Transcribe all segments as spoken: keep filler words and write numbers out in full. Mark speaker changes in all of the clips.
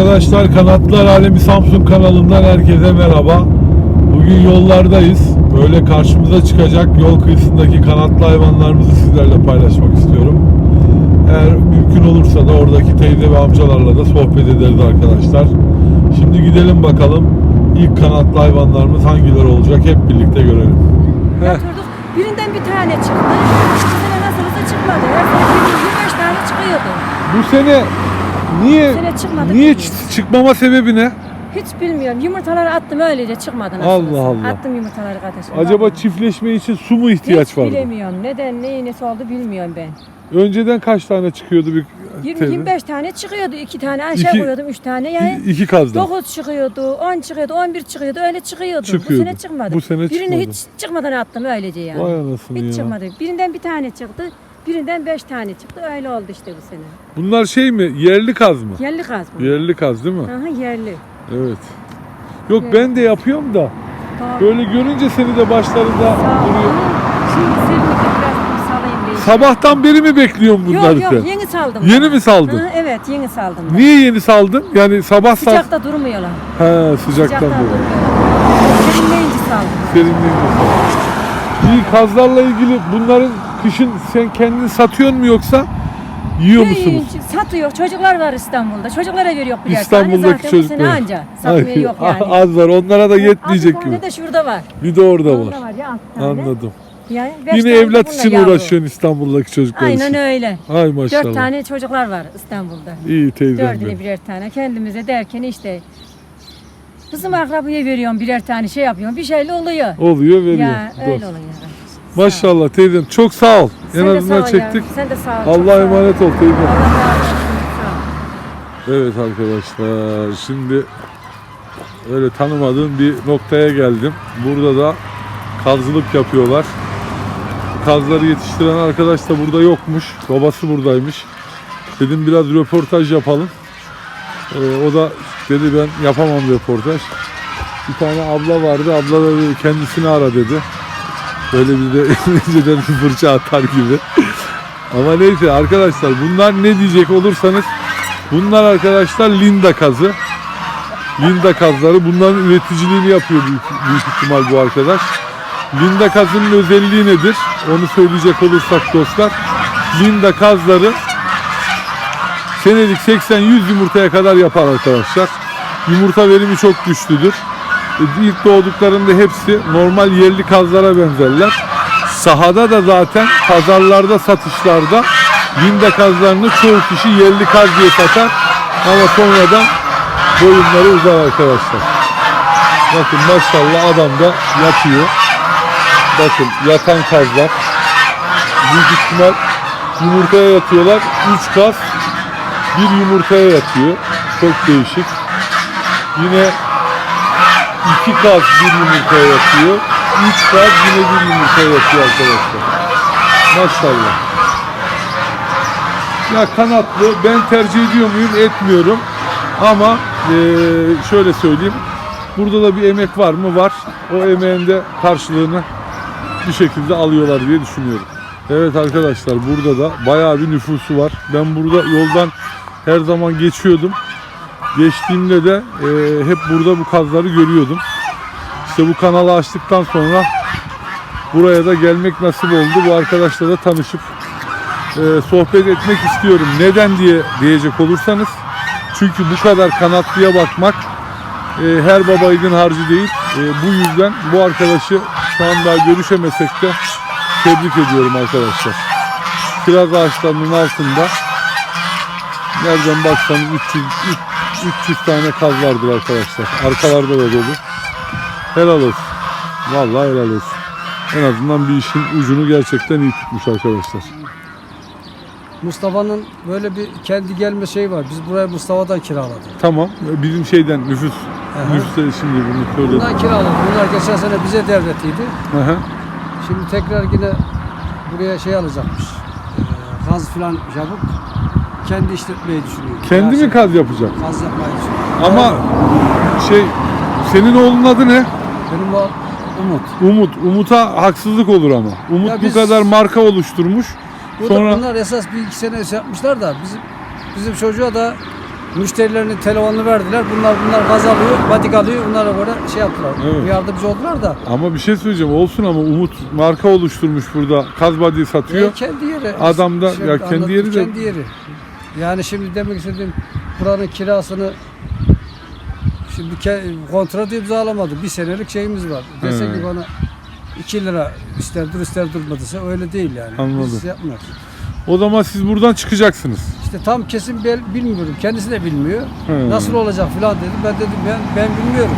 Speaker 1: Arkadaşlar, Kanatlar Alemi Samsun kanalından herkese merhaba. Bugün yollardayız. Böyle karşımıza çıkacak yol kıyısındaki kanatlı hayvanlarımızı sizlerle paylaşmak istiyorum. Eğer mümkün olursa da oradaki teyze ve amcalarla da sohbet ederiz arkadaşlar. Şimdi gidelim bakalım ilk kanatlı hayvanlarımız hangileri olacak, hep birlikte görelim.
Speaker 2: Yatırdık. Birinden bir tane çıktı. Bu sene nasılsa çıkmadı. Her sene yirmi beş tane çıkıyordu.
Speaker 1: Bu sene niye
Speaker 2: Bu sene çıkmadı,
Speaker 1: niye
Speaker 2: bilmiyorum.
Speaker 1: çıkmama sebebi ne?
Speaker 2: Hiç bilmiyorum. Yumurtaları attım öylece çıkmadı nasıl
Speaker 1: Allah
Speaker 2: olsa.
Speaker 1: Allah.
Speaker 2: Attım yumurtaları kardeşim.
Speaker 1: Acaba
Speaker 2: Vallahi.
Speaker 1: çiftleşme için su mu ihtiyaç
Speaker 2: Hiç
Speaker 1: vardı?
Speaker 2: bilemiyorum. Neden, neyi nesi oldu bilmiyorum ben.
Speaker 1: Önceden kaç tane çıkıyordu bir
Speaker 2: yirmi
Speaker 1: teyze?
Speaker 2: yirmi beş tane çıkıyordu. iki tane aşağı
Speaker 1: İki-
Speaker 2: koyuyordum. üç tane yani.
Speaker 1: İ- İki kazdan.
Speaker 2: dokuz çıkıyordu, on çıkıyordu, on bir çıkıyordu. Öyle çıkıyordu.
Speaker 1: Çıkıyordu.
Speaker 2: Bu sene çıkmadı.
Speaker 1: Bu sene
Speaker 2: Birini
Speaker 1: çıkmadı.
Speaker 2: hiç çıkmadan attım öylece yani.
Speaker 1: Vay anasını
Speaker 2: Hiç
Speaker 1: ya.
Speaker 2: çıkmadı. Birinden bir tane çıktı. Birinden beş tane çıktı. Öyle oldu işte bu sene.
Speaker 1: Bunlar şey mi? Yerli kaz mı?
Speaker 2: Yerli kaz bu.
Speaker 1: Yerli kaz değil mi?
Speaker 2: Aha, yerli.
Speaker 1: Evet. Yok,
Speaker 2: Evet.
Speaker 1: ben de yapıyorum da
Speaker 2: Doğru.
Speaker 1: böyle görünce seni de başlarında
Speaker 2: Sağ ol.
Speaker 1: duruyor.
Speaker 2: Şimdi serinlikte biraz bir salayım diye.
Speaker 1: Sabahtan beri mi bekliyorsun bunları
Speaker 2: Yok
Speaker 1: sen?
Speaker 2: yok, yeni saldım.
Speaker 1: Yeni
Speaker 2: ben.
Speaker 1: mi saldın?
Speaker 2: Hı, evet, yeni saldım. ben.
Speaker 1: Niye yeni saldın? Yani sabah saat...
Speaker 2: Sıcakta durmuyorlar.
Speaker 1: He, sıcaktan
Speaker 2: Sıcaktan
Speaker 1: dolayı.
Speaker 2: durmuyorlar. Serinleyince saldım.
Speaker 1: Serinleyince saldın. İyi, kazlarla ilgili bunların kışın sen kendin satıyor mu yoksa yiyor musunuz?
Speaker 2: Yiyince satıyor. Çocuklar var İstanbul'da. Çocuklara veriyor birer
Speaker 1: İstanbul'daki
Speaker 2: tane. Zaten bu
Speaker 1: çocuklar.
Speaker 2: sene anca. Satmıyor
Speaker 1: Ay,
Speaker 2: yok yani.
Speaker 1: Az var, onlara da yetmeyecek
Speaker 2: altı
Speaker 1: gibi.
Speaker 2: tane de şurada var.
Speaker 1: Bir de orada
Speaker 2: Orada
Speaker 1: var.
Speaker 2: var ya altı tane.
Speaker 1: Anladım.
Speaker 2: Yani beş
Speaker 1: Yine
Speaker 2: tane de
Speaker 1: evlat
Speaker 2: bununla
Speaker 1: için
Speaker 2: yavru.
Speaker 1: uğraşıyorsun İstanbul'daki çocuklar için.
Speaker 2: Aynen öyle.
Speaker 1: Ay maşallah.
Speaker 2: Dört tane çocuklar var İstanbul'da.
Speaker 1: İyi teyzem
Speaker 2: Dördüne
Speaker 1: benim.
Speaker 2: birer tane. Kendimize derken işte kızım akrabaya veriyorum birer tane şey yapıyorum. Bir şeyle oluyor.
Speaker 1: Oluyor, veriyor.
Speaker 2: Ya
Speaker 1: Doğru.
Speaker 2: öyle oluyor.
Speaker 1: Maşallah teyzem, çok sağ ol.
Speaker 2: Sen
Speaker 1: en
Speaker 2: de
Speaker 1: azından
Speaker 2: sağ ol
Speaker 1: çektik.
Speaker 2: ya. Sen de sağ ol. çok
Speaker 1: Allah'a
Speaker 2: sağ ol.
Speaker 1: emanet ol teyzem.
Speaker 2: Allah razı olsun. Sağ ol.
Speaker 1: Evet arkadaşlar, şimdi öyle tanımadığım bir noktaya geldim. Burada da kazılık yapıyorlar. Kazları yetiştiren arkadaş da burada yokmuş. Babası buradaymış. Dedim biraz röportaj yapalım. Ee, o da dedi ben yapamam röportaj. Bir tane abla vardı. Abla da dedi, kendisini ara dedi. Böyle bir de önceden bir fırça atar gibi. Ama neyse arkadaşlar, bunlar ne diyecek olursanız, bunlar arkadaşlar Linda kazı. Linda kazları. Bunların üreticiliğini yapıyor büyük, büyük ihtimal bu arkadaş. Linda kazının özelliği nedir? Onu söyleyecek olursak dostlar, Linda kazları senelik seksen yüz yumurtaya kadar yapar arkadaşlar. Yumurta verimi çok güçlüdür. İlk doğduklarında hepsi normal yerli kazlara benzerler. Sahada da zaten pazarlarda, satışlarda Linda kazlarını çoğu kişi yerli kaz diye satar. Ama sonradan boyunları uzar arkadaşlar. Bakın maşallah, adam da yatıyor. Bakın yatan kazlar. Büyük ihtimal yumurtaya yatıyorlar. üç kaz bir yumurtaya yatıyor. Çok değişik. Yine iki kaz bir yumurtaya yatıyor. üç kaz yine bir yumurtaya yatıyor arkadaşlar. Maşallah. Ya kanatlı ben tercih ediyor muyum? Etmiyorum. Ama eee, şöyle söyleyeyim. Burada da bir emek var mı? Var. O emeğin de karşılığını bir şekilde alıyorlar diye düşünüyorum. Evet arkadaşlar, burada da bayağı bir nüfusu var. Ben burada yoldan her zaman geçiyordum. Geçtiğimde de e, hep burada bu kazları görüyordum. İşte bu kanalı açtıktan sonra buraya da gelmek nasip oldu. Bu arkadaşla da tanışıp e, sohbet etmek istiyorum. Neden diye diyecek olursanız, çünkü bu kadar kanatlıya bakmak e, her baba yiğidin harcı değil. E, bu yüzden bu arkadaşı şu an daha görüşemesek de tebrik ediyorum arkadaşlar. Kiraz ağaçlarının altında nereden baksanız üç yüz, üç yüz tane kaz vardır arkadaşlar. Arkalarda da dolu. Helal olsun. Vallahi helal olsun. En azından bir işin ucunu gerçekten iyi tutmuş arkadaşlar.
Speaker 3: Mustafa'nın böyle bir kendi gelme şeyi var. Biz burayı Mustafa'dan kiraladık.
Speaker 1: Tamam. Bizim şeyden nüfus.
Speaker 3: Aha.
Speaker 1: Nüfusları şimdi bunu söyledim.
Speaker 3: Bundan kiraladık. Bunlar geçen sene bize devretiydi.
Speaker 1: Aha.
Speaker 3: Şimdi tekrar yine buraya şey alacakmış. Ee, gaz filan yapıp kendi işletmeyi düşünüyor.
Speaker 1: Kendi
Speaker 3: Yani
Speaker 1: mi kaz yapacak?
Speaker 3: Gaz yapmayı düşünüyor.
Speaker 1: Ama şey, senin oğlunun adı ne?
Speaker 3: Benim o Umut.
Speaker 1: Umut. Umut'a haksızlık olur ama. Umut
Speaker 3: Ya
Speaker 1: bu
Speaker 3: biz-
Speaker 1: kadar marka oluşturmuş.
Speaker 3: Bu
Speaker 1: Sonra
Speaker 3: da bunlar esas bir iki sene şey yapmışlar da bizim bizim çocuğa da Müşterilerinin telefonunu verdiler. Bunlar bunlar gaz alıyor, batik alıyor. Bunlara göre şey yaptılar.
Speaker 1: Evet.
Speaker 3: Yardımcı oldular da.
Speaker 1: Ama bir şey söyleyeceğim olsun ama Umut marka oluşturmuş burada. Kaz body satıyor.
Speaker 3: E, kendi yeri.
Speaker 1: Adam da-
Speaker 3: Şimdi
Speaker 1: ya kendi
Speaker 3: anladım,
Speaker 1: yeri de-
Speaker 3: kendi yeri. Yani şimdi demek istediğim buranın kirasını şimdi ke- kontrat imzalamadı. Bir senelik şeyimiz var. Desek
Speaker 1: He.
Speaker 3: ki bana iki lira ister dur ister durmadıysa öyle değil yani.
Speaker 1: Anladım.
Speaker 3: Biz yapmıyoruz.
Speaker 1: O zaman siz buradan çıkacaksınız.
Speaker 3: İşte tam kesin bel- bilmiyorum. Kendisi de bilmiyor.
Speaker 1: He.
Speaker 3: Nasıl olacak filan dedi. Ben dedim ben ben bilmiyorum.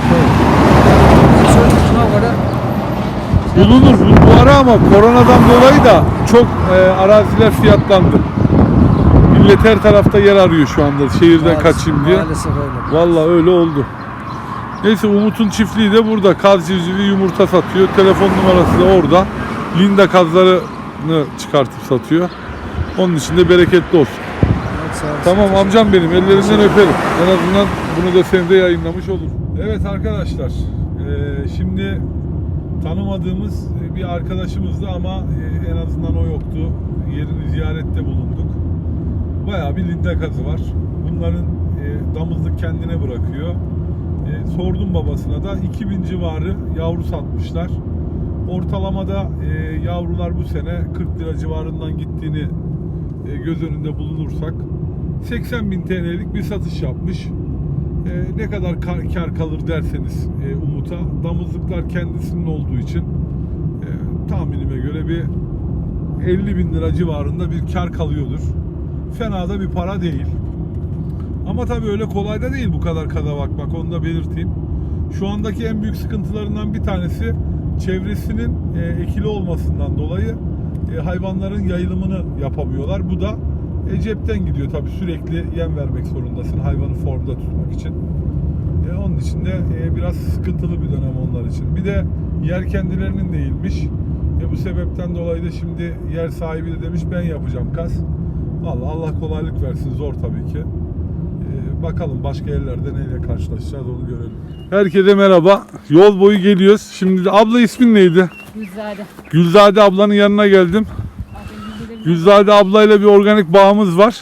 Speaker 3: Bizim sözlüğüne göre
Speaker 1: Bulunur bu, bu ara ama koronadan dolayı da çok e, araziler fiyatlandı. Millet her tarafta yer arıyor şu anda şehirden
Speaker 3: maalesef-
Speaker 1: kaçayım diye.
Speaker 3: Maalesef öyle.
Speaker 1: Vallahi öyle oldu. Neyse Umut'un çiftliği de burada. Kaz civcivi yumurta satıyor. Telefon numarası da orada. Linda kazlarını çıkartıp satıyor. Onun için de bereketli olsun.
Speaker 3: Evet, sağ olasın.
Speaker 1: Tamam amcam benim. Ellerinden öperim. En azından bunu da sen de yayınlamış olur. Evet arkadaşlar. eee, şimdi tanımadığımız bir arkadaşımızdı ama e, en azından o yoktu. Yerini ziyarette bulunduk. Bayağı bir linda kazı var. Bunların e, damızlık kendine bırakıyor. E, sordum babasına da iki bin civarı yavru satmışlar. Ortalamada e, yavrular bu sene kırk lira civarından gittiğini e, göz önünde bulunursak seksen bin T L'lik bir satış yapmış. E, ne kadar kar, kar kalır derseniz e, Umut'a, damızlıklar kendisinin olduğu için e, tahminime göre bir elli bin lira civarında bir kar kalıyordur. Fena da bir para değil. Ama tabii öyle kolay da değil bu kadar kada bakmak, onu da belirteyim. Şu andaki en büyük sıkıntılarından bir tanesi çevresinin e, ekili olmasından dolayı e, hayvanların yayılımını yapamıyorlar. Bu da e, cepten gidiyor tabii, sürekli yem vermek zorundasın hayvanı formda tutmak için. E, onun için de e, biraz sıkıntılı bir dönem onlar için. Bir de yer kendilerinin değilmiş. E, bu sebepten dolayı da şimdi yer sahibi de demiş ben yapacağım kaz. Vallahi Allah kolaylık versin, zor tabii ki. Ee, bakalım başka yerlerde neyle karşılaşacağız onu görelim. Herkese merhaba. Yol boyu geliyoruz. Şimdi de abla ismin neydi?
Speaker 2: Güzade.
Speaker 1: Gülzade ablanın yanına geldim. Gülzade ablayla bir organik bağımız var.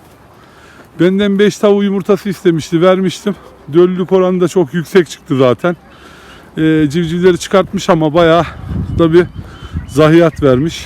Speaker 1: Benden beş tavuğu yumurtası istemişti, vermiştim. Döllülük oranı da çok yüksek çıktı zaten. Ee, civcivleri çıkartmış ama bayağı da bir zayiat vermiş.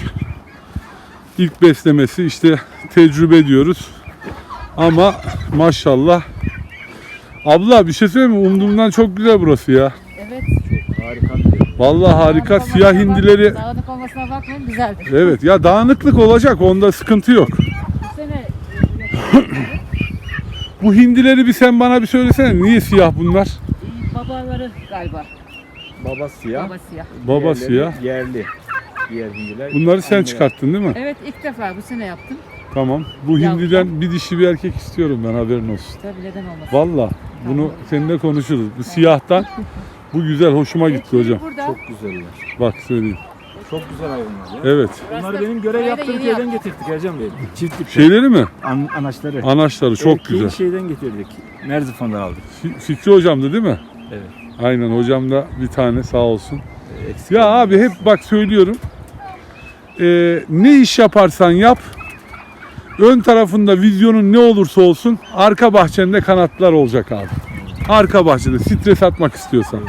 Speaker 1: İlk beslemesi işte, tecrübe diyoruz. Ama maşallah. Abla bir şey söyleyeyim mi? Umduğumdan çok güzel burası ya.
Speaker 2: Evet.
Speaker 4: Harika bir yer.
Speaker 1: Vallahi harika.
Speaker 2: Dağınık
Speaker 1: Siyah
Speaker 2: olmasına bak-
Speaker 1: hindileri.
Speaker 2: Dağınık olmasına bakmayın, güzeldir.
Speaker 1: Evet ya, dağınıklık olacak, onda sıkıntı yok.
Speaker 2: Bu sene e, yok.
Speaker 1: Bu hindileri bir sen bana bir söylesene. Niye siyah bunlar?
Speaker 2: İyi, babaları galiba.
Speaker 4: Baba siyah.
Speaker 2: Baba siyah.
Speaker 1: Baba
Speaker 4: diğerleri
Speaker 1: siyah.
Speaker 4: Yerli. Diğer hindiler.
Speaker 1: Bunları sen
Speaker 4: anneler.
Speaker 1: çıkarttın değil mi?
Speaker 2: Evet, ilk defa bu sene yaptım.
Speaker 1: Tamam. Bu
Speaker 2: Yavrum.
Speaker 1: hindiden bir dişi bir erkek istiyorum ben, haberin olsun.
Speaker 2: Tabii, neden olmasın.
Speaker 1: Vallahi bunu seninle konuşuruz. Bu siyahtan bu güzel, hoşuma gitti
Speaker 2: Ekmeği
Speaker 1: hocam.
Speaker 2: Burada.
Speaker 4: Çok güzeller.
Speaker 1: Bak söyleyeyim.
Speaker 4: Çok güzel hayvanlar ya.
Speaker 1: Evet.
Speaker 4: Bunları benim görev
Speaker 2: Burayı da
Speaker 4: yaptığım
Speaker 2: yeni
Speaker 4: köyden
Speaker 2: yaptım.
Speaker 4: getirdik Ercan Bey. Çiftlik.
Speaker 1: Şeyleri mi?
Speaker 4: An anaçları.
Speaker 1: Anaçları çok
Speaker 4: Erkeği
Speaker 1: güzel.
Speaker 4: şeyden getirdik. Merzifon'dan aldık.
Speaker 1: Fi- Fikri hocamdı değil mi?
Speaker 4: Evet.
Speaker 1: Aynen, hocam da bir tane sağ olsun.
Speaker 4: Ee, eksik
Speaker 1: Ya
Speaker 4: olmadı.
Speaker 1: abi hep bak söylüyorum. Ee, ne iş yaparsan yap. Ön tarafında vizyonun ne olursa olsun arka bahçende kanatlar olacak abi. Arka bahçede stres atmak istiyorsan.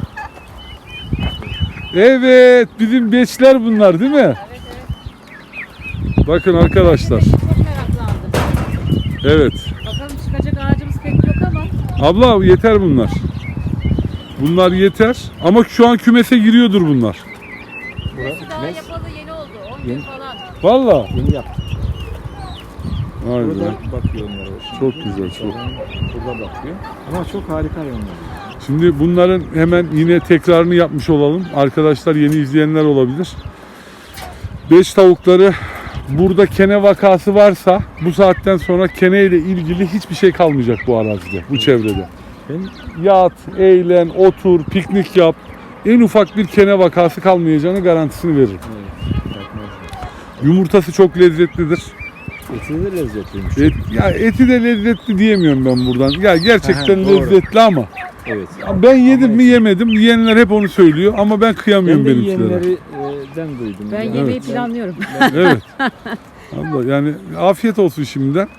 Speaker 1: Evet, bizim beçler bunlar değil mi?
Speaker 2: Evet, evet.
Speaker 1: Bakın arkadaşlar.
Speaker 2: Çok meraklandım.
Speaker 1: Evet.
Speaker 2: Bakalım çıkacak ağacımız pek yok ama.
Speaker 1: Abla yeter bunlar. Bunlar yeter ama şu an kümese giriyordur bunlar.
Speaker 2: Burası daha
Speaker 4: Mes-
Speaker 2: yapalı yeni oldu. on gün
Speaker 4: Yeni.
Speaker 2: falan.
Speaker 1: Vallahi.
Speaker 4: Yeni yaptık.
Speaker 1: Vay be.
Speaker 4: Burada bakıyor onlara. o
Speaker 1: Çok
Speaker 4: şimdi.
Speaker 1: güzel, çok.
Speaker 4: Burada bakıyor. Ama çok harika hayvanlar.
Speaker 1: Şimdi bunların hemen yine tekrarını yapmış olalım. Arkadaşlar, yeni izleyenler olabilir. Beş tavukları, burada kene vakası varsa bu saatten sonra kene ile ilgili hiçbir şey kalmayacak bu arazide, bu çevrede.
Speaker 4: Ben
Speaker 1: Yat, eğlen, otur, piknik yap. En ufak bir kene vakası kalmayacağını garantisini veririm.
Speaker 4: evet, yapmaz.
Speaker 1: Yumurtası çok lezzetlidir.
Speaker 4: Eti de lezzetliymiş.
Speaker 1: Et, ya eti de lezzetli diyemiyorum ben buradan. Ya gerçekten
Speaker 4: Aha, doğru.
Speaker 1: lezzetli ama
Speaker 4: Evet.
Speaker 1: ben yedim
Speaker 4: Ama
Speaker 1: mi
Speaker 4: eti-
Speaker 1: yemedim. Yiyenler hep onu söylüyor ama ben kıyamıyorum
Speaker 4: Ben de
Speaker 1: benimkilere.
Speaker 4: yiyenlerden duydum.
Speaker 2: Ben
Speaker 4: Yani
Speaker 2: yemeği
Speaker 4: ben-
Speaker 2: planlıyorum.
Speaker 1: Evet. Allah, yani afiyet olsun şimdiden.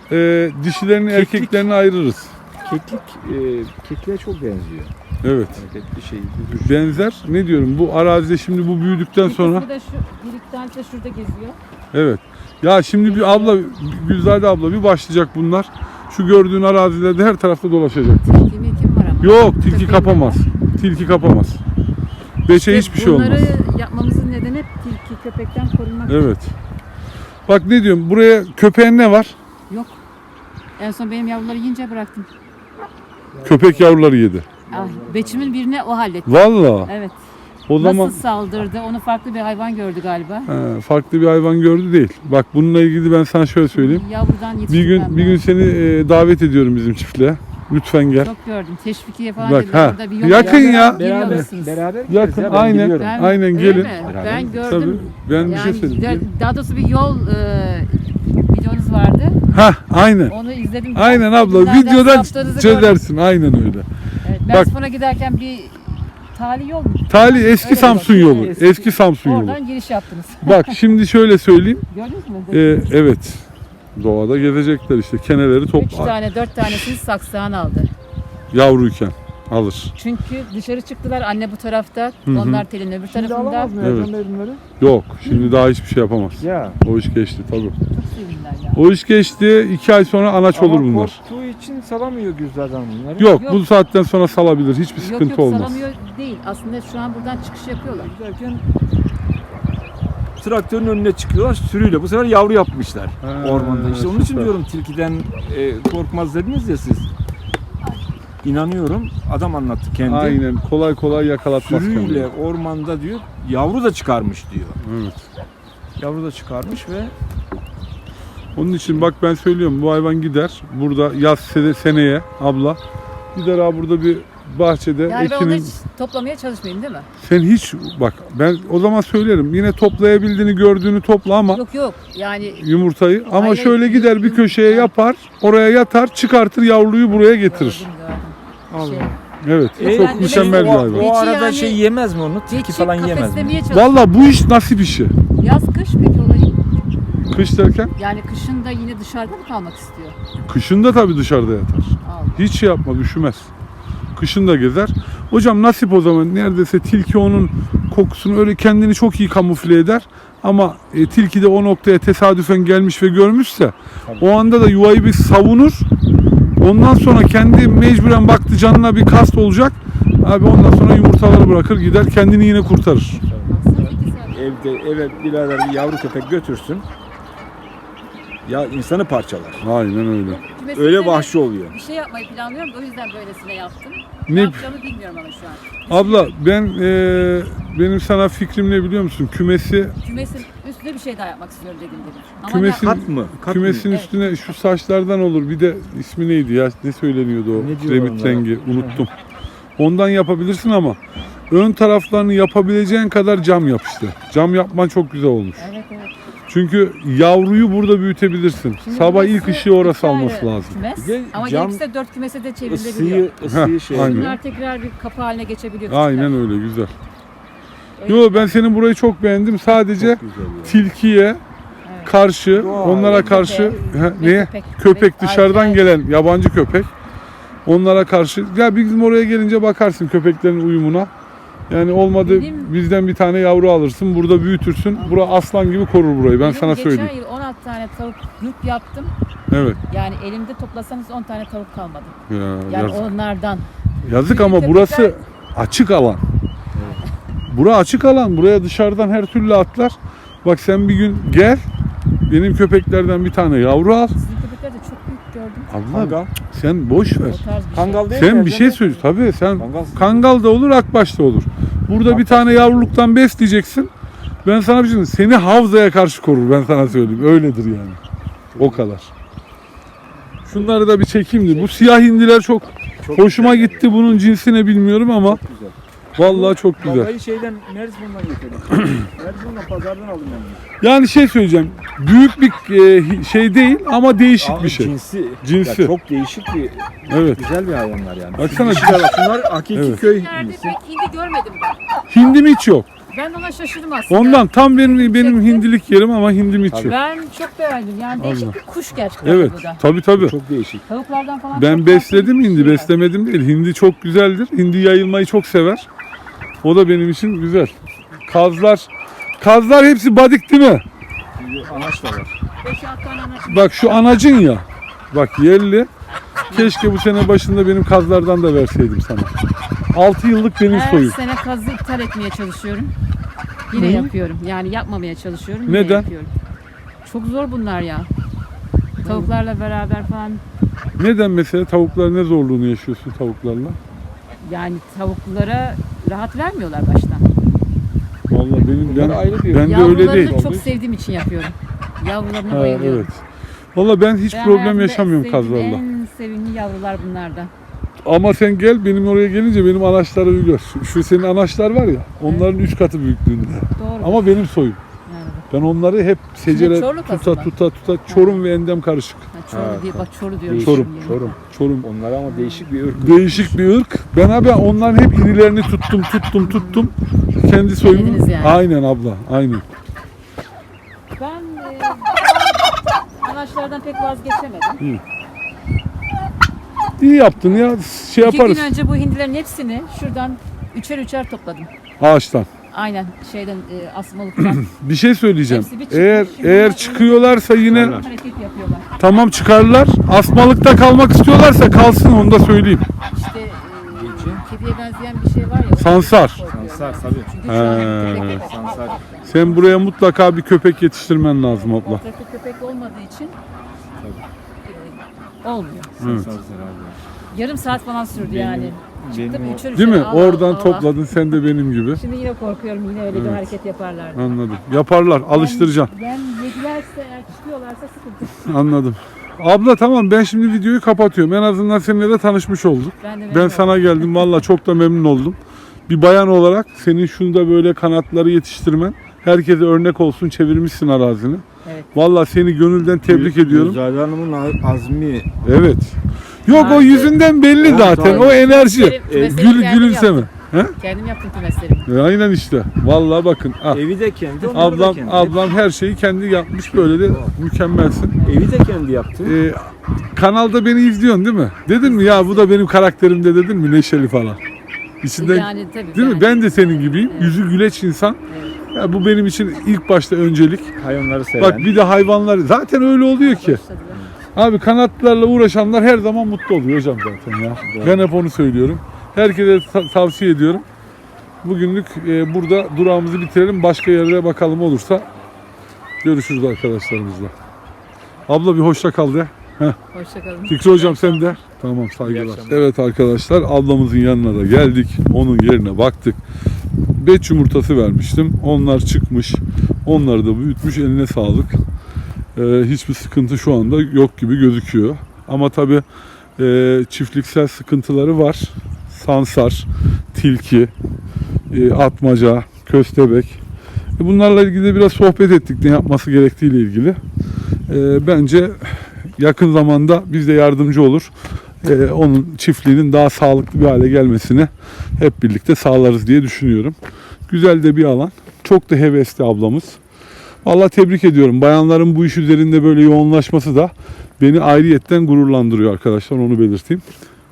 Speaker 1: e, dişilerini
Speaker 4: Keklik.
Speaker 1: erkeklerini ayırırız.
Speaker 4: Keklik e, kekliğe çok benziyor.
Speaker 1: Evet.
Speaker 4: Hareketli şey.
Speaker 1: Benzer. Ne diyorum? Bu arazide şimdi bu büyüdükten sonra.
Speaker 2: Bir de şu bir iki tanesi de şurada geziyor.
Speaker 1: Evet. Ya şimdi bir abla, Gülzade abla bir başlayacak bunlar. Şu gördüğün arazilerde her tarafta dolaşacaktır.
Speaker 2: Kimi kim var ama?
Speaker 1: Yok, tilki
Speaker 2: Köpeğin
Speaker 1: kapamaz. Tilki kapamaz. Beşe
Speaker 2: İşte
Speaker 1: hiçbir şey olmaz.
Speaker 2: Bunları yapmamızın nedeni hep tilki köpekten korunmak.
Speaker 1: Evet. Bak ne diyorum? Buraya köpeğin ne var?
Speaker 2: Yok. En son benim yavruları yiyince bıraktım.
Speaker 1: Köpek yavruları yedi.
Speaker 2: Ah, beçimin birine o halletti.
Speaker 1: Valla.
Speaker 2: Evet.
Speaker 1: O zaman
Speaker 2: Nasıl saldırdı? Onu farklı bir hayvan gördü galiba.
Speaker 1: he, farklı bir hayvan gördü değil. Bak bununla ilgili ben sana şöyle söyleyeyim.
Speaker 2: Yavrudan
Speaker 1: Bir
Speaker 2: yetiştirmem
Speaker 1: gün bir gün
Speaker 2: lazım.
Speaker 1: seni e, davet ediyorum bizim çiftliğe. Lütfen gel.
Speaker 2: Çok gördüm. Teşvikiye falan
Speaker 1: Bak,
Speaker 2: dediler.
Speaker 1: ha.
Speaker 2: Orada bir yol
Speaker 1: Yakın
Speaker 2: var.
Speaker 1: ya.
Speaker 2: Geliyor
Speaker 4: Beraber,
Speaker 2: musunuz?
Speaker 4: beraber gideriz
Speaker 1: Yakın,
Speaker 4: ya, ben
Speaker 1: aynen.
Speaker 4: biliyorum.
Speaker 2: Ben-
Speaker 1: Aynen,
Speaker 2: öyle
Speaker 1: gelin.
Speaker 2: mi?
Speaker 4: Beraber
Speaker 2: Ben
Speaker 4: gideriz.
Speaker 1: Tabii.
Speaker 2: gördüm.
Speaker 1: Ben bir şey
Speaker 2: Yani
Speaker 1: söyleyeyim.
Speaker 2: daha doğrusu bir yol e, videonuz vardı.
Speaker 1: Ha, aynen.
Speaker 2: Onu izledim.
Speaker 1: Aynen abla.
Speaker 2: Nereden
Speaker 1: Videodan
Speaker 2: saptığınızı gördüm.
Speaker 1: çözersin. Aynen öyle.
Speaker 2: Evet, ben
Speaker 1: Bak.
Speaker 2: spora giderken bir tali yol mu?
Speaker 1: Tali eski
Speaker 2: Öyle
Speaker 1: Samsun
Speaker 2: bak.
Speaker 1: yolu.
Speaker 4: Eski-
Speaker 1: Eski Samsun yolu.
Speaker 2: Oradan giriş yaptınız.
Speaker 1: Bak şimdi şöyle söyleyeyim.
Speaker 2: Gördünüz mü?
Speaker 1: Ee, evet. Doğada gezecekler işte. Keneleri
Speaker 2: Üç
Speaker 1: topla.
Speaker 2: tane, dört tanesini saksağın aldı.
Speaker 1: Yavruyken alır.
Speaker 2: Çünkü dışarı çıktılar. Anne bu tarafta,
Speaker 1: Hı hı.
Speaker 2: onlar telin öbür
Speaker 4: Şimdi
Speaker 2: tarafında.
Speaker 4: alamaz mı
Speaker 1: Evet.
Speaker 4: Ercan Bey bunları?
Speaker 1: Yok. Şimdi daha hiçbir şey yapamaz.
Speaker 4: Ya.
Speaker 1: O iş geçti tabii.
Speaker 2: Çok sevindiler ya.
Speaker 1: O iş geçti. iki ay sonra anaç olur
Speaker 4: Ama
Speaker 1: bunlar.
Speaker 4: korktuğu için salamıyor Gülzar'dan bunları.
Speaker 1: Yok,
Speaker 2: Yok.
Speaker 1: bu saatten sonra salabilir. Hiçbir
Speaker 2: Yok
Speaker 1: sıkıntı
Speaker 2: yok
Speaker 1: olmaz.
Speaker 2: salamıyor değil. Aslında şu an buradan çıkış yapıyorlar.
Speaker 5: Giderken traktörün önüne çıkıyorlar sürüyle. Bu sefer yavru yapmışlar
Speaker 1: Ha,
Speaker 5: ormanda. İşte onun için
Speaker 1: süper.
Speaker 5: diyorum tilkiden e, korkmaz dediniz ya siz. İnanıyorum. Adam anlattı kendi.
Speaker 1: Aynen. Kolay kolay yakalatmaz
Speaker 5: Sürüyle
Speaker 1: kendini.
Speaker 5: ormanda diyor yavru da çıkarmış diyor.
Speaker 1: Evet.
Speaker 5: Yavru da çıkarmış ve
Speaker 1: Onun için bak ben söylüyorum bu hayvan gider. Burada yaz sene- seneye abla gider ha burada bir bahçede
Speaker 2: Yani ben onu
Speaker 1: ekinin.
Speaker 2: hiç toplamaya çalışmayayım değil mi?
Speaker 1: Sen hiç bak ben o zaman söylerim. Yine toplayabildiğini gördüğünü topla ama
Speaker 2: Yok yok. Yani
Speaker 1: yumurtayı ama
Speaker 2: Hayır,
Speaker 1: şöyle gider bir
Speaker 2: yum-
Speaker 1: köşeye
Speaker 2: Ha.
Speaker 1: yapar. Oraya yatar, çıkartır yavruyu buraya getirir.
Speaker 2: gördüm gördüm.
Speaker 5: Allah.
Speaker 2: Şey,
Speaker 1: Evet.
Speaker 5: E,
Speaker 1: çok
Speaker 2: yani
Speaker 1: mükemmel bir
Speaker 5: o,
Speaker 1: hayvan.
Speaker 5: o
Speaker 2: Geçi
Speaker 5: arada
Speaker 2: yani-
Speaker 5: şey yemez mi onu? Tilki
Speaker 2: geçi
Speaker 5: falan yemez mi?
Speaker 2: kafeslemeye çalışıyor.
Speaker 1: Valla bu iş nasip işi.
Speaker 2: Yaz kış peki olayı?
Speaker 1: Kış derken
Speaker 2: Yani kışın da yine dışarıda mı kalmak istiyor?
Speaker 1: kışında tabii dışarıda yatar.
Speaker 2: Allah.
Speaker 1: Hiç şey yapmaz, üşümez. Kışın da gezer. Hocam nasip o zaman neredeyse tilki onun kokusunu öyle kendini çok iyi kamufle eder. Ama e, tilki de o noktaya tesadüfen gelmiş ve görmüşse o anda da yuvayı bir savunur. Ondan sonra kendi mecburen baktı canına bir kast olacak. Abi ondan sonra yumurtaları bırakır gider kendini yine kurtarır.
Speaker 2: Baksana iki saat.
Speaker 5: Evde eve birader bir yavru köpek götürsün. Ya insanı parçalar.
Speaker 1: Aynen öyle.
Speaker 2: Kümesinde
Speaker 5: Öyle
Speaker 2: de
Speaker 5: vahşi oluyor.
Speaker 2: Bir şey yapmayı planlıyorum. O yüzden böylesine yaptım.
Speaker 1: Ne-
Speaker 2: Ne yapacağımı bilmiyorum ama şu an.
Speaker 1: Abla ben e, benim sana fikrim ne biliyor musun? Kümesi
Speaker 2: Kümesin üstüne bir şey daha yapmak istiyorum dediğim gibi. Ama
Speaker 1: Kümesin-
Speaker 2: ya-
Speaker 5: Kat mı? Kat
Speaker 1: kümesin
Speaker 5: mı?
Speaker 2: Evet.
Speaker 1: üstüne şu saçlardan olur. Bir de ismi neydi ya? Ne söyleniyordu o?
Speaker 5: Ne diyorlar
Speaker 1: Remit
Speaker 5: onlara?
Speaker 1: rengi. Unuttum. Ondan yapabilirsin ama ön taraflarını yapabileceğin kadar cam yap işte. Cam yapman çok güzel olmuş.
Speaker 2: Evet evet.
Speaker 1: Çünkü yavruyu burada büyütebilirsin.
Speaker 2: Şimdi
Speaker 1: Sabah
Speaker 2: burası
Speaker 1: ilk ışığı orası
Speaker 2: iki ayrı
Speaker 1: alması lazım.
Speaker 2: Kümes.
Speaker 5: Bir de
Speaker 2: Ama
Speaker 5: cam-
Speaker 2: gerekirse dört kümese de çevrilebiliyor.
Speaker 5: Isıyı, ısıyı
Speaker 1: Heh,
Speaker 5: şey.
Speaker 1: aynen.
Speaker 2: Bunlar tekrar bir kapı haline geçebiliyor.
Speaker 1: Aynen öyle güzel.
Speaker 2: Öyle.
Speaker 1: Yo ben senin burayı çok beğendim. Sadece
Speaker 5: Çok güzel ya.
Speaker 1: tilkiye
Speaker 2: Evet.
Speaker 1: karşı,
Speaker 5: Doğal.
Speaker 1: onlara
Speaker 2: Köpek.
Speaker 1: karşı he,
Speaker 2: Ve
Speaker 1: neye?
Speaker 2: köpek.
Speaker 1: Köpek
Speaker 2: Ve
Speaker 1: dışarıdan
Speaker 2: acayip.
Speaker 1: gelen yabancı köpek. Onlara karşı ya bizim oraya gelince bakarsın köpeklerin uyumuna. Yani olmadı
Speaker 2: Benim-
Speaker 1: bizden bir tane yavru alırsın, burada büyütürsün. Bura aslan gibi korur burayı. Ben
Speaker 2: Benim
Speaker 1: sana söyleyeyim.
Speaker 2: Geçen yıl on altı tane tavuk yük yaptım.
Speaker 1: Evet.
Speaker 2: Yani elimde toplasanız on tane tavuk kalmadı.
Speaker 1: Ya,
Speaker 2: Yani
Speaker 1: yazık.
Speaker 2: onlardan.
Speaker 1: yazık ama
Speaker 2: Köpekler-
Speaker 1: burası açık alan. Bura açık alan. Buraya dışarıdan her türlü atlar. Bak sen bir gün gel. Benim köpeklerden bir tane yavru al.
Speaker 2: Sizin köpekler de çok büyük gördüm.
Speaker 1: Allah
Speaker 5: Kangal.
Speaker 1: sen boş ver.
Speaker 2: O tarz bir
Speaker 5: Kangal değil mi?
Speaker 1: Sen bir
Speaker 5: Ercan
Speaker 1: şey
Speaker 5: Bey?
Speaker 1: söyle. Tabii sen
Speaker 5: Kangal.
Speaker 1: Kangal da olur, akbaş da olur. Burada bir tane yavruluktan besleyeceksin. Ben sana bir şey söyleyeyim. Seni havzaya karşı korur ben sana söyleyeyim. Öyledir yani. O kadar. Şunları da bir çekeyim de. Bu siyah hindiler çok,
Speaker 5: Çok
Speaker 1: hoşuma
Speaker 5: güzel.
Speaker 1: gitti. Bunun cinsi ne bilmiyorum ama
Speaker 5: Çok güzel.
Speaker 1: vallahi çok güzel.
Speaker 5: Kavgayı şeyden Mersin'den getirdim. Mersin'den pazardan aldım ben bunu.
Speaker 1: Yani şey söyleyeceğim. Büyük bir e, şey değil ama değişik
Speaker 5: Abi
Speaker 1: bir şey.
Speaker 5: Cinsi,
Speaker 1: Cinsi.
Speaker 5: Ya çok değişik bir,
Speaker 1: Evet.
Speaker 5: güzel bir hayvanlar yani.
Speaker 1: Baksana.
Speaker 5: Dişiler bak, bunlar hakiki
Speaker 1: Evet.
Speaker 5: köy
Speaker 2: Nerede
Speaker 5: hindisi.
Speaker 2: pek hindi görmedim ben.
Speaker 1: Hindi mi hiç yok?
Speaker 2: Ben ona şaşırdım aslında.
Speaker 1: Ondan tam benim benim
Speaker 2: Çekti.
Speaker 1: hindilik yerim ama hindim içiyor.
Speaker 2: Ben çok beğendim. Yani değişik
Speaker 1: Allah.
Speaker 2: bir kuş gerçekten
Speaker 1: Evet.
Speaker 2: bu da.
Speaker 1: Tabii tabii.
Speaker 5: Çok değişik.
Speaker 2: Tavuklardan falan
Speaker 1: Ben
Speaker 2: çok
Speaker 1: besledim
Speaker 2: farklı bir
Speaker 1: hindi,
Speaker 2: şey var.
Speaker 1: beslemedim değil. Hindi çok güzeldir. Hindi yayılmayı çok sever. O da benim için güzel. Kazlar, kazlar hepsi badik değil mi?
Speaker 5: Anaç da var.
Speaker 2: Beş altı tane anaç-
Speaker 1: Bak şu anacın ya. Bak yerli. Keşke bu sene başında benim kazlardan da verseydim sana. altı yıllık benim
Speaker 2: Her
Speaker 1: soyum.
Speaker 2: sene kazı iptal etmeye çalışıyorum. Yine
Speaker 1: Hı?
Speaker 2: yapıyorum. Yani yapmamaya çalışıyorum. Yine
Speaker 1: Neden?
Speaker 2: yapıyorum. Çok zor bunlar ya. Tavuklarla beraber falan.
Speaker 1: Neden mesela tavuklar ne zorluğunu yaşıyorsun tavuklarla?
Speaker 2: Yani tavuklara rahat vermiyorlar baştan.
Speaker 1: Vallahi benim ben,
Speaker 5: Bunlar ayrı bir-
Speaker 1: ben de öyle değil.
Speaker 2: Yavrularını çok sevdiğim için yapıyorum. Yavrularına
Speaker 1: Ha,
Speaker 2: bayılıyorum.
Speaker 1: evet. Vallahi ben hiç
Speaker 2: Ben
Speaker 1: problem
Speaker 2: hayatımda
Speaker 1: yaşamıyorum
Speaker 2: sevdiğim
Speaker 1: kazlarla.
Speaker 2: En sevimli yavrular bunlardan.
Speaker 1: Ama sen gel benim oraya gelince benim anaçları bir gör. Şu, şu senin anaçlar var ya onların üç katı büyüklüğünde.
Speaker 2: Doğru.
Speaker 1: Ama benim soyum.
Speaker 2: Yani.
Speaker 1: Ben onları hep secere
Speaker 2: Çorlu
Speaker 1: tuta
Speaker 2: kasaba.
Speaker 1: tuta tuta Çorum ve Endem karışık.
Speaker 2: Ha, Çoru
Speaker 5: Ha,
Speaker 2: diye bak Çoru diyorum.
Speaker 1: Çorum,
Speaker 2: şimdi.
Speaker 5: Çorum.
Speaker 1: Çorum.
Speaker 5: Onlar ama değişik bir ırk.
Speaker 1: Değişik bir ırk. Ben abi onların hep irilerini tuttum tuttum tuttum. Kendi soyumu.
Speaker 2: Yediniz yani.
Speaker 1: Aynen abla aynen.
Speaker 2: Ben e, anaçlardan pek vazgeçemedim.
Speaker 1: İyi yaptın ya şey
Speaker 2: İki
Speaker 1: yaparız
Speaker 2: gün önce bu hindilerin hepsini şuradan üçer üçer topladım.
Speaker 1: ağaçtan.
Speaker 2: Aynen şeyden e, asmalıktan.
Speaker 1: Bir şey söyleyeceğim.
Speaker 2: Hepsi bir çıkmış.
Speaker 1: Eğer
Speaker 2: Şimdi
Speaker 1: eğer
Speaker 2: onlar-
Speaker 1: çıkıyorlarsa yine
Speaker 2: Hareket yapıyorlar.
Speaker 1: tamam çıkarlar. Asmalıkta kalmak istiyorlarsa kalsın onu da söyleyeyim.
Speaker 2: İşte e, kediye benzeyen bir şey var ya.
Speaker 1: Sansar.
Speaker 5: Sansar tabii.
Speaker 2: Çünkü şu an
Speaker 1: He.
Speaker 2: köpek yok.
Speaker 5: Sansar.
Speaker 1: Sen buraya mutlaka bir köpek yetiştirmen lazım abla.
Speaker 2: Trafik köpek olmadığı için e, olmuyor.
Speaker 1: Evet.
Speaker 5: Sansar abi.
Speaker 2: Yarım saat falan sürdü yani. Çıktım
Speaker 5: benim o-
Speaker 2: üçer üçer.
Speaker 1: Değil mi?
Speaker 2: Allah
Speaker 1: Oradan
Speaker 2: Allah.
Speaker 1: topladın sen de benim gibi.
Speaker 2: Şimdi yine korkuyorum yine öyle bir hareket yaparlar. diye.
Speaker 1: Anladım. Yaparlar. Alıştıracaksın.
Speaker 2: Yem, yem yedilerse eğer çıkıyorlarsa sıkıntı.
Speaker 1: Anladım. Abla tamam ben şimdi videoyu kapatıyorum. En azından seninle de tanışmış olduk.
Speaker 2: Ben de
Speaker 1: Ben
Speaker 2: memnun
Speaker 1: sana
Speaker 2: oldum.
Speaker 1: geldim. Valla çok da memnun oldum. Bir bayan olarak senin şunda böyle kanatları yetiştirmen herkese örnek olsun, çevirmişsin arazini.
Speaker 2: Evet.
Speaker 1: Valla seni gönülden tebrik ediyorum.
Speaker 5: Zahide Hanım'ın a- azmi.
Speaker 1: Evet. Yok o
Speaker 2: Ben de-
Speaker 1: yüzünden belli
Speaker 5: Evet,
Speaker 1: zaten.
Speaker 5: abi.
Speaker 1: O enerji.
Speaker 2: Kümesleri-
Speaker 1: E,
Speaker 2: kümesleri
Speaker 1: Gül,
Speaker 2: kendim
Speaker 1: gülümseme. He?
Speaker 2: Kendim yaptım kümeslerimi.
Speaker 1: E, aynen işte. Valla bakın. ah,
Speaker 5: Evi de kendi, onları da
Speaker 1: Ablam
Speaker 5: kendi.
Speaker 1: ablam her şeyi kendi yapmış. Böyle de mükemmelsin.
Speaker 5: Evi de kendi yaptı.
Speaker 1: Ee, kanalda beni izliyorsun değil mi? Dedin mi ya bu da benim karakterimde dedin mi neşeli falan. İçinden
Speaker 2: Yani tabii.
Speaker 1: değil mi?
Speaker 2: yani.
Speaker 1: Ben de senin gibiyim.
Speaker 2: Evet.
Speaker 1: Yüzü güleç insan.
Speaker 2: Evet.
Speaker 1: Ya bu benim için ilk başta öncelik.
Speaker 5: Hayvanları seven.
Speaker 1: Bak bir de hayvanlar zaten öyle oluyor ki.
Speaker 2: Başladılar.
Speaker 1: Abi kanatlarla uğraşanlar her zaman mutlu oluyor hocam zaten ya.
Speaker 5: Doğru.
Speaker 1: Ben hep onu söylüyorum. Herkese ta- tavsiye ediyorum. Bugünlük e, burada durağımızı bitirelim. Başka yerlere bakalım olursa görüşürüz arkadaşlarımızla. Abla bir hoşça kal de.
Speaker 2: Hoşçakalın.
Speaker 1: Fikri hocam sen de. Tamam saygılar.
Speaker 5: akşamlar.
Speaker 1: Evet arkadaşlar ablamızın yanına da geldik. Onun yerine baktık. Beş yumurtası vermiştim. Onlar çıkmış. Onları da büyütmüş. Eline sağlık. Ee, hiçbir sıkıntı şu anda yok gibi gözüküyor. Ama tabii e, çiftliksel sıkıntıları var. Sansar, tilki, e, atmaca, köstebek. E, bunlarla ilgili de biraz sohbet ettik ne yapması gerektiğiyle ilgili. E, bence yakın zamanda biz de yardımcı olur. Ee, onun çiftliğinin daha sağlıklı bir hale gelmesini hep birlikte sağlarız diye düşünüyorum. Güzel de bir alan. Çok da hevesli ablamız. Vallahi tebrik ediyorum. Bayanların bu iş üzerinde böyle yoğunlaşması da beni ayrıyetten gururlandırıyor arkadaşlar. Onu belirteyim.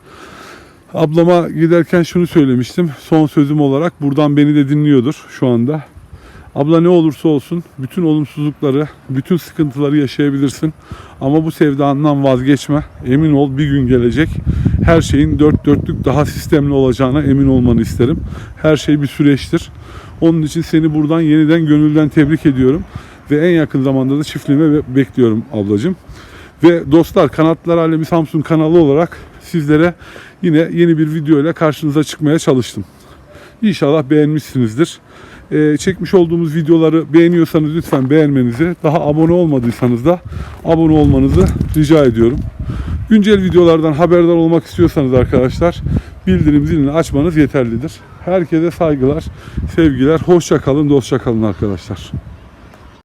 Speaker 1: Ablama giderken şunu söylemiştim. Son sözüm olarak buradan beni de dinliyordur şu anda. Abla ne olursa olsun bütün olumsuzlukları, bütün sıkıntıları yaşayabilirsin. Ama bu sevdandan vazgeçme. Emin ol bir gün gelecek. Her şeyin dört dörtlük daha sistemli olacağına emin olmanı isterim. Her şey bir süreçtir. Onun için seni buradan yeniden gönülden tebrik ediyorum. Ve en yakın zamanda da çiftliğime be- bekliyorum ablacığım. Ve dostlar Kanatlar Alemi Samsun kanalı olarak sizlere yine yeni bir video ile karşınıza çıkmaya çalıştım. İnşallah beğenmişsinizdir. Ee, çekmiş olduğumuz videoları beğeniyorsanız lütfen beğenmenizi, daha abone olmadıysanız da abone olmanızı rica ediyorum. Güncel videolardan haberdar olmak istiyorsanız arkadaşlar bildirim zilini açmanız yeterlidir. Herkese saygılar, sevgiler, hoşça kalın, dostça kalın arkadaşlar.